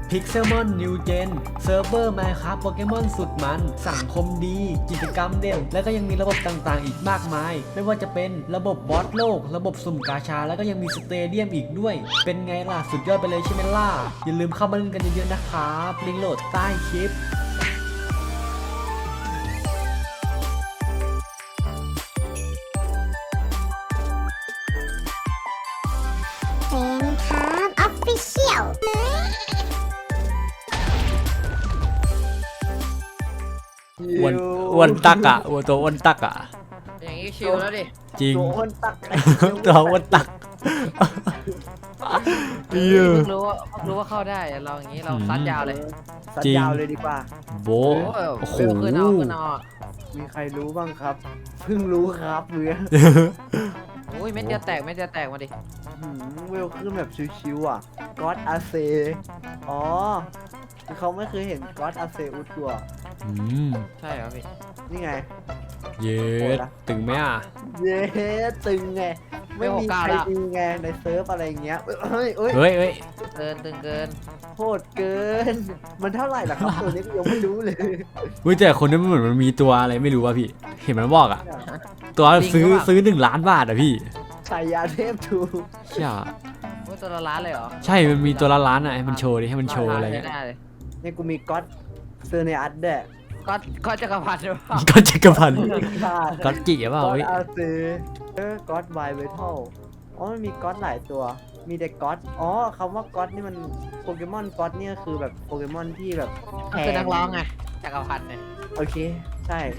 Pixelmon New Gen เซิร์ฟเวอร์ Minecraft โปเกมอนสุดมันสังคมดีกิจกรรมเด่นและก็ยังมีระบบต่างๆอีกมากมายไม่ว่าจะเป็นระบบบอสโลกระบบสุ่มกาชาแล้วก็ยังมีสเตเดียมอีกด้วยเป็นไงล่ะสุดยอดไปเลยใช่ไหมล่ะอย่าลืมเข้ามาเล่นกันเยอะๆนะครับลิงก์โหลดใต้คลิป Official อ้วนตักอ่ะตัวอ้วนตักอ่ะอย่างนี้ชิลแล้วดิจริงตัวคนตักตัวอ้วนตักเพิ่งรู้ว่าเข้าได้เราอย่างนี้เราซัดยาวเลยสัญญาวเลยดีกว่าโบโอ้โหขึ้นเอามีใครรู้บ้างครับเพิ่งรู้ครับเพื่อนโอ้ยเม็ดเดียวแตกมาดิเวลขึ้นแบบชิวๆอ่ะก็อดอาเซอ๋อเขาไม่เคยเห็นก็อดอาเซอุดตัวใช่เหรอพี่นี่ไงเย็ดตึงไหมอ่ะเย้ตึงไงไม่มีใครดีไงในเซิร์ฟอะไรเงี้ยเฮ้ยเฮ้ยตึงเกินโหดเกินมันเท่าไหร่ล่ะครับตัวนี้ยังไม่รู้เลยแต่คนนี้มันเหมือนมันมีตัวอะไรไม่รู้ว่ะพี่เห็นมันบอกอ่ะตัวซื้อ1 ล้านบาทอ่ะพี่ฉายาเทพทูใช่ว่าตัวละล้านเลยเหรอใช่มันมีตัวละล้านอ่ะให้มันโชว์ดิให้มันโชว์อะไรเงี้ยได้เลยนี่กูมีก็อดเซอร์เนอัสเด้อก็จักรพรรดิหรือเปล่าก็จักรพันธ์ก็จิ๋วเปล่าก็อดเฮ้ยอาเซก็อดไวเวทัลอ๋อมันมีก็อดหลายตัวมีแต่ก็อดอ๋อคำว่าก็อดนี่มันโปเกมอนก็อดเนี่ยคือแบบโปเกมอนที่แบบแพคือง นักร้องไงจักรพรรดิเนี่ยโอเคใช่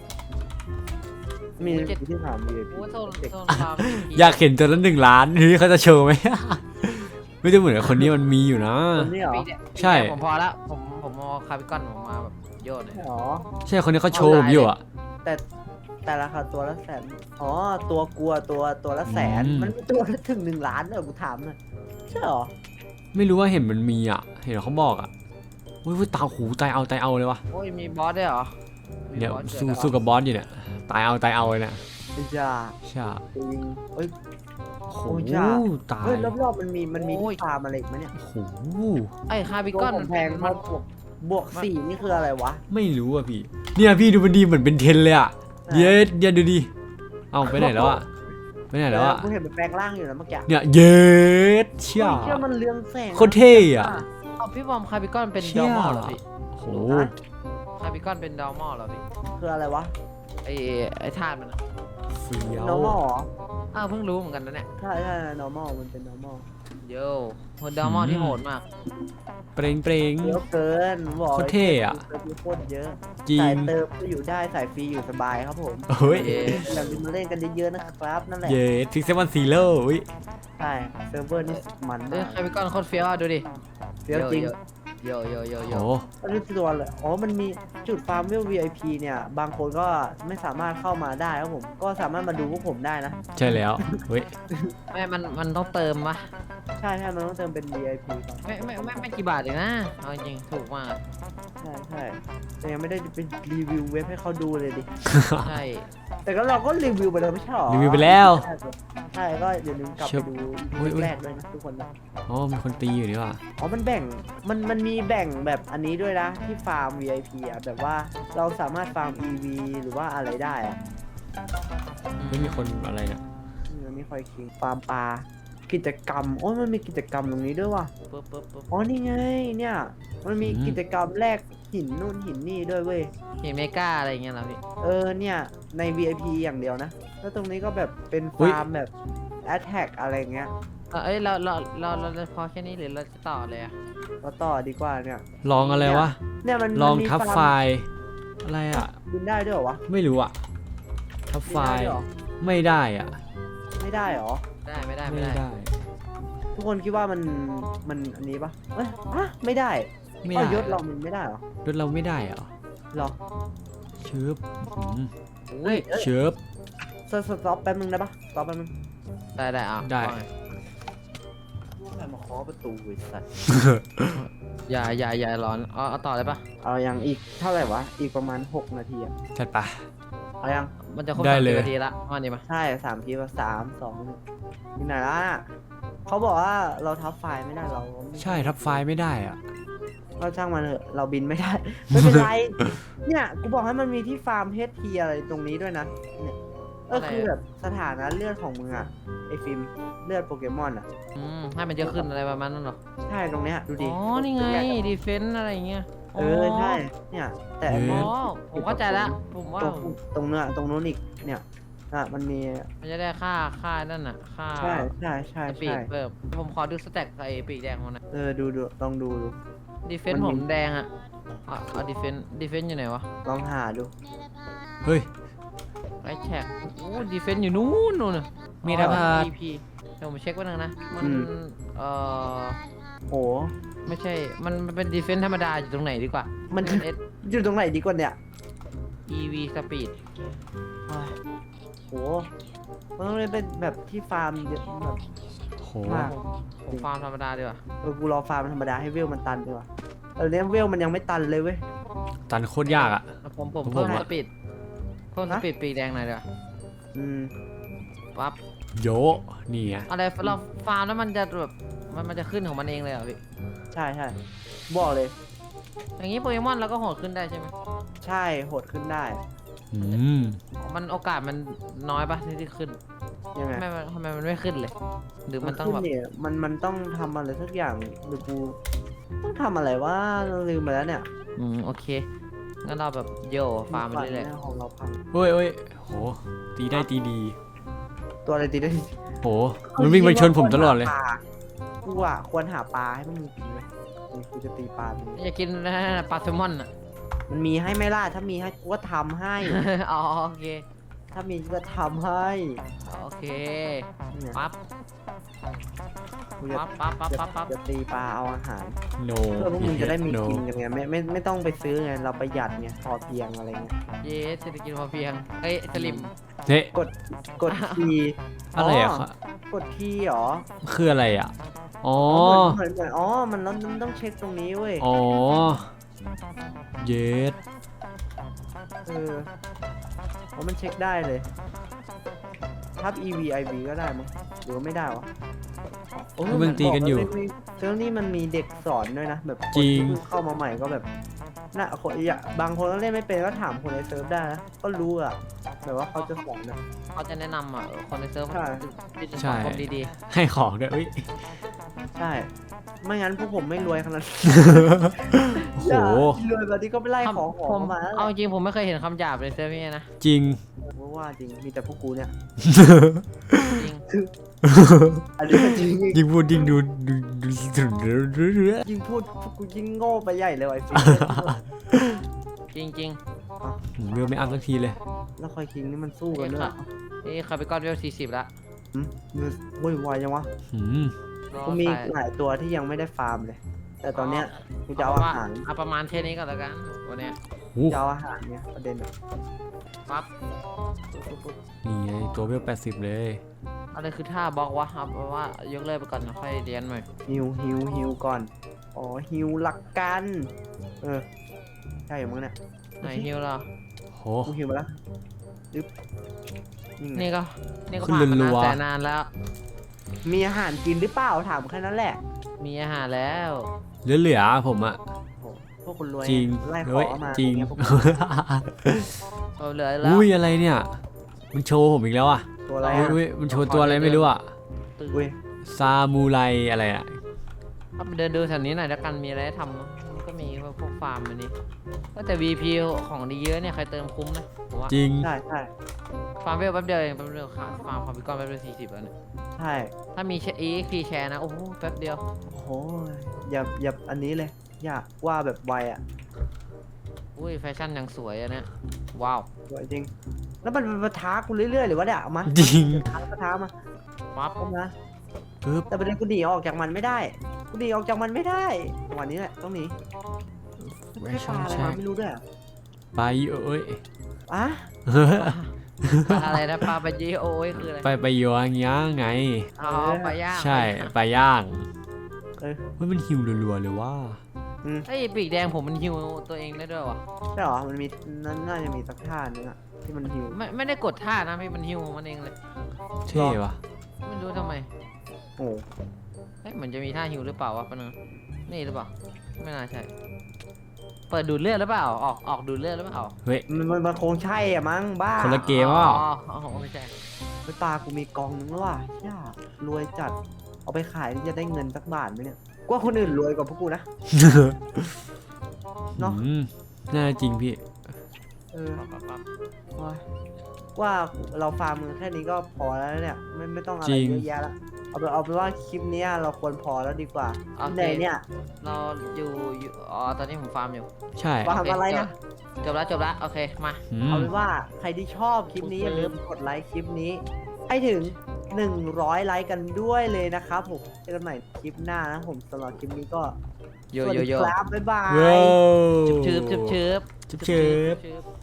มีที่ถามมีโอ้โซนฟาร์มอยากเห็นตัวละ1 ล้านเฮ้ยเขาจะโชว์ไหม ไม่จะเหมือนกับคนนี้มันมีอยู่นะคนนี้เหรอใช่ผมพอละผมเอาคาร์บิคอนผมมาแบบโยนเลยใช่เหรอใช่คนนี้เขาโชว์ผมอยู่อ่ะแต่ราคาตัวละแสนอ๋อตัวกลัวตัวละแสนมันมีตัวละถึง1 ล้านเหรอกูถามหน่อยใช่เหรอไม่รู้ว่าเห็นมันมีอ่ะเห็นเขาบอกอ่ะอุ้ยตาหูตายเอาเลยวะโอ้ยมีบอสด้วยเหรอเดี๋ยวสู้กับบอสอยู่เนี่ยตายเอาเลยเนี่ยไอ้จ้าใช่จริงเอ้ยโอ้โหโอ้ยจ้าตายเฮ้ยรอบๆมันมีที่ฟาร์มอะไรอีกไหมเนี่ยโอ้โหไอ้คาร์บิคก้ออน นแพงมัมาน บวกสี่นี่คืออะไรวะไม่รู้อ่ะพี่เนี่ยพี่ดูมันดีเหมือนเป็นเทนเลยอ่ะเย็ดดูดิเอาไปไหนแล้วอ่ะไปไหนแล้วอ่ะกูเห็นมันแปลงร่างอยู่นะเมื่อกี้เนี่ยเย็ดเชี่ยเชื่อมันเรืองแสงโคตรเท่อะเอาพี่บอมคาร์บิคอนเป็นเชี่ดยอมอลเหรอพี่โอ้โหคาร์บิคอนเป็นดอมอลเหรอพี่คืออะไรวะไอ้ธาตุมันอะเฟี้ยว normal เหรออ้าวเพิ่งรู้เหมือนกันนะเนี่ยใช่ normal มันเป็น normal โย่คนดอมอลที่โหดมากเปรงเยอะเกินบอกโคตรเท่อะโคตรเยอะจริสาง ยเติมก็อยู่ได้สายฟรีอยู่สบายครับผมเฮ้ยเย้อย่าลืมมาเล่นกันเยอะๆนะครับนั่นแหละเย็ดพิกเซลวันซีโร่อุ้ยใช่เซิร์ฟเวอร์นี่มันเอ้ยมากคาร์บิคอนโคตรเฟี้ยวอะดูดิเดี๋ยวจริงโย่โย่โย่โอ้โย่โหอันนี้ตัวเลยอ๋อมันมีจุดฟาร์มเวล VIP เนี่ยบางคนก็ไม่สามารถเข้ามาได้ครับผมก็สามารถมาดูพวกผมได้นะใช่แล้วเฮ้ยมันต้องเติมปะใช่มันต้องเติมเป็น VIP ก่อนไม่กี่บาทเองนะเอาจริงถูกมากใช่แต่ยังไม่ได้เป็นรีวิวเว็บให้เขาดูเลยดิใช่แต่ก็เราก็รีวิวไปแล้วไม่ใช่หรอรีวิวไปแล้วใช่ก็อย่าลืมกลับไปดูอุ๊ยแรกด้วยนะทุกคนนะอ๋อมีคนตีอยู่นี่ว่ะอ๋อมันแบ่งมันมีแบ่งแบบอันนี้ด้วยนะที่ฟาร์ม VIP อ่ะแบบว่าเราสามารถฟาร์ม EV หรือว่าอะไรได้อ่ะไม่มีคนอะไรเนี่ยมันไม่ค่อยคิงฟาร์มปลากิจกรรมโอ้ยมันมีกิจกรรมตรงนี้ด้วยว่ะปึ๊บปึ๊บปึ๊บอ๋อนี่ไงเนี่ยมันมีกิจกรรมแลกหินนู่นหินนี่ด้วยเว้ยเห็นเมกาอะไรอย่างเงี้ยเหรอพี่เนี่ยใน VIP อย่างเดียวนะแล้วตรงนี้ก็แบบเป็นฟาร์มแบบ Attack อะไรเงี้ยเอ้ยเราพอแค่นี้หรือเราจะต่อเลยอะก็ต่อดีกว่าเนี่ยลองอะไรวะเนี่ยมันลองมันมีทับฟาร์มไฟล์อะไรอ่ะบินได้ด้วยเหรอวะไม่รู้อ่ะทับไฟบินได้ล์ด้วยเหรอไม่ได้อ่ะไม่ได้เหรอไม่ได้ไม่ได้ทุกคนคิดว่ามันอันนี้ปะเอ้ยอะไม่ได้ไม่อ๋ได้อยศเรามันไม่ได้เหรอรถเราไม่ได้เหรอหรอเชิบเฮ้ยเชิบสต็อปแป๊บนึงได้ปะสต็อปแป๊บนึงได้เอาได้ใครมาเคาะประตูไอ้สัตว์อย่าร้อนเอาต่อเลยปะเอายังอีกเท่าไหร่วะอีกประมาณ6 นาทีอะจัดไปเอายังมันจะครบได้ 30 เลยนาทีละมาดิมาใช่3 ทีป่ะ3 2 1ที่ไหนล่ะเขาบอกว่าเราทับไฟล์ไม่ได้เราไม่ใช่ทับไฟล์ไม่ได้อ่ะก็ช่างมันเถอะเราบินไม่ได้ ไม่เป็นไร เนี่ยกูบอกให้มันมีที่ฟาร์มเพชรทีอะไรตรงนี้ด้วยนะเนี่ยคือแบบสถานะเลือดของมึงอะไอฟิล์มเลือดโปเกมอนอะให้มันเยอะขึ้นอะไรประมาณนั้นเหรอใช่ตรงเนี้ยดูดิอ๋อนี่ไงดีเฟนต์อะไรเงี้ยใช่เนี่ยแต่อันอ๋นี้อผมเข้าใจแล้วผมว่าตรงเนื้อตรงนู้นอีกเนี่ยมันมีมันจะได้ค่านั่นน่ะค่าใช่สปีดเพิ่มผมขอดูสแต็กไอ้ปีกแดงมันนะดูลองดูดีเฟนต์ผมแดงอ่ะเอาดีเฟนต์อยู่ไหนวะลองหาดูเฮ้ยไอ้แท็กโอ้ดีเฟนต์อยู่นู่นน่ะมีระเบิดพีเดี๋ยวผมเช็คไว้หนึงนะมันอโหไม่ใช่มันเป็นดีเฟนต์ธรรมดาอยู่ตรงไหนดีกว่ามันเอสอยู่ตรงไหนดีกว่าเนี่ย EV สปีดโหมันต้องเป็นแบบที่ฟาร์มเยอะแบบโหมากผมฟาร์มธรรมดาดีกว่ากูรอฟาร์มธรรมดาให้เวลมันตันดีกว่าเนี่ยเวลมันยังไม่ตันเลยเว้ยตันโคตรยากอ่ะผมผมเพิ่มอะสปีดปีกแดงหน่อยดีกว่าอืมปั๊บโยนี่ไงอะไรเราฟาร์มแล้วมันจะแบบมันจะขึ้นของมันเองเลยเหรอพี่ใช่บอกเลยอย่างนี้โปเกมอนเราก็โหดขึ้นได้ใช่ไหมใช่โหดขึ้นได้อืมมันโอกาสมันน้อยปะที่ขึ้นยังไงทำไมมันไม่ขึ้นเลย หรือมันต้องแบบขึ้เนี่ยมันต้องทำอะไรสักอย่างหรือกูต้องทำอะไรว่าลืมไปแล้วเนี่ยโอเคงั้นเราแบบโยฟาร์มไปเรื่อยของเราพังเฮ้ยเฮ้ยโหตีได้ตีดีตัวอะไรตีได้โหมันวิ่งไปชนผมตลอดเลยกูอ่ะควรหาปลาให้มันมีกินไหมนี่กูจะตีปลาตัวนี้ๆอยากกินปลาแซลมอนอ่ะมันมีให้ไหม่ล่ะถ้ามีให้กูก็ทำให้อ๋อโอเคถ้ามีก็ทำให้โอเคเนี่ยปั๊บกูจะปั๊บจะตีปลาเอาอาหารโนเพื่อพวกมึงจะได้มีโนกินกันไงไม่ต้องไปซื้อไงเราประหยัดไงพอเพียงอะไรเงี้ยเย้เศรษฐกิจพอเพียงเอ้ยสลิมเฮ้ยกดทีอะไรอ่ะกดทีเหรอคืออะไรอ่ะอ๋อเหมือนมันต้องเช็คตรงนี้เว้ยอ๋อเยสมันเช็คได้เลยทับ EVIV ก็ได้มั้งหรือว่าไม่ได้วะมันตีกันอยู่เซิร์ฟนี่มันมีเด็กสอนด้วยนะแบบคนจริงที่เพิ่เข้ามาใหม่ก็แบบน่ะคนบางคนก็เล่นไม่เป็นก็ถามคนในเซิร์ฟได้นะก็รู้อะแบบว่าเขาจะสอนนะเขาจะแนะนำคนในเซิร์ฟใช่เป็นใช่สังคมดีให้ของด้วยเอ้ยใช่ ไม่งั้นพวกผมไม่รวยขนาดนั้นโอ้โหรวยแบบนี้ก็ไปไล่ๆของผมมาแล้วเอาจริงผมไม่เคยเห็นคำหยาบในเซิร์ฟนี่นะจริงว่าจริงมีแต่พวกกูเนี่ยจริงอันนี้ก็จริงยิ่งพูดยิ่งดูยิ่งพูดพวกกูยิ่งโง่ไปใหญ่เลยไอ้ฟิล์มจริงเรือไม่อัพสักทีเลยแล้วคอยคิงนี่มันสู้กันด้วยเหรอนี่คาร์บิคอนเวล40ละโว้ยวายยังวะหืมกูมีอีกหลายตัวที่ยังไม่ได้ฟาร์มเลย แต่ตอนเนี้ยกูจะเอาอาหารเอาประมาณแค่นี้ก่อนแล้วกันวันเนี้ยโอ้จะเอาอาหารเนี่ยประเด็นอะปั๊บนี่ไงตัวเวล80 เลยอะไรคือท่าบล็อกวะครับเพราะว่ายกเลิกไปก่อนนะค่อยเรียนใหม่ฮิวก่อน อ๋อฮิวหลักกันใช่มั้งเนี่ยไหนฮิวเหรอโหกูฮิวมาแล้วดึ๊บนี่ไงนี่ก็ขึ้นผ่านมารันานวๆแต่นานแล้วมีอาหารกินหรือเปล่าถามแค่นั้นแหละมีอาหารแล้วเหลือผมอะโอ้พวกคนรวยจริงไล่ขเฮ้อย มาจริงอย่าเยพวกเอาเหลือแล้วอุ้ยอะไรเนี่ยมันโชว์ผมอีกแล้วอ่ะตัวอะไรอุ้ยมันโชว์ตัวอะไรไม่รู้อ่ะตื่นอุ้ยซามูไรอะไรอ่ะเอาไปเดินดูแถวนี้หน่อยแล้วกันมีอะไรให้ทำเนอะมันก็มีพวกฟาร์มอันนี้ก็แต่ VP ของดีเยอะเนี่ยใครเติมคุ้มนะผมว่าจริงใช่ฟาร์มเวลแป๊บเดียวเองแป๊บเดียวค่ะฟาร์มคอมพิวเตอร์แป๊บเดียว40แล้วเนี่ยใช่ถ้ามีEXP แชร์นะโอ้โหแป๊บเดียวโอ้โหอย่าอันนี้เลย อยากว่าแบบไวอ่ะอุ้ยแฟชั่นยังสวยอะเนี่ยว้าวสวยจริง แล้วมันมาท้ากูเรื่อยๆหรือว่าเนี่ยเอามาจริงท้ามาปั๊บเข้ามาปึ๊บแต่ประเด็นกูหนีออกจากมันไม่ได้กูหนีออกจากมันไม่ได้วันนี้แหละต้องหนีแวไม่ชั่ปนลาอะไรแช็มาก ไม่รู้ด้วยอะไปเอ้ยอ่ะอะไรนะปลาปะยีโอ้ยคืออะไรไปโยงย่างไงอ๋อปลาย่างใช่ไปย่างเออเฮ้ยมันหิวรัวๆเลยว่าไอ้ยปีกแดงผมมันฮิวตัวเองได้ด้วยวะใช่เหรอมันมีน่าจะมีสักท่านึงอะที่มันหิวไม่ได้กดท่านะพี่มันฮิวของมันเองเลยเท่ว่ะไม่รู้ทำไมโอ้เฮ้ยเหมือนจะมีท่าฮิวหรือเปล่าวะปะเนอะนี่หรือเปล่าไม่น่าใช่ เปิดดูดเลือดหรือเปล่าออกดูดเลือดหรือเปล่าเฮ้ยมันคงใช่อะมั้งบ้าคนละเกมอ่ะอ๋อไม่ใช่ไปปลากูมีกองนึงแล้วว่ะเชี่ยรวยจัดเอาไปขายนี่จะได้เงินสักบาทไหมเนี่ยกว่าคนอื่นรวยกว่าพวกกูนะ เนอะอืมน่าจริงพี่เออปั๊บโอ้ยว่าเราฟาร์มมันแค่นี้ก็พอแล้วเนี่ยไม่ต้องอะไรจริงเยอะแยะละเอาไปนว่าคลิปเนี้ยเราควรพอแล้วดีกว่าโอเคไหนเนี่ยเราอยู่อ๋อตอนนี้ผมฟาร์มอยู่ใช่ฟาร์มอะไรนะจบแล้วโอเคมาอืเอามเป็นว่าใครที่ชอบคลิปนี้อย่าลืมกดไลค์คลิปนี้ ให้ถึง 100 ไลค์กันด้วยเลยนะครับผมเจอกันใหม่คลิปหน้านะผมสำหรับคลิปนี้ก็โยสวัสโยดีโยครับบ๊ายบายว้าวชืบชืบ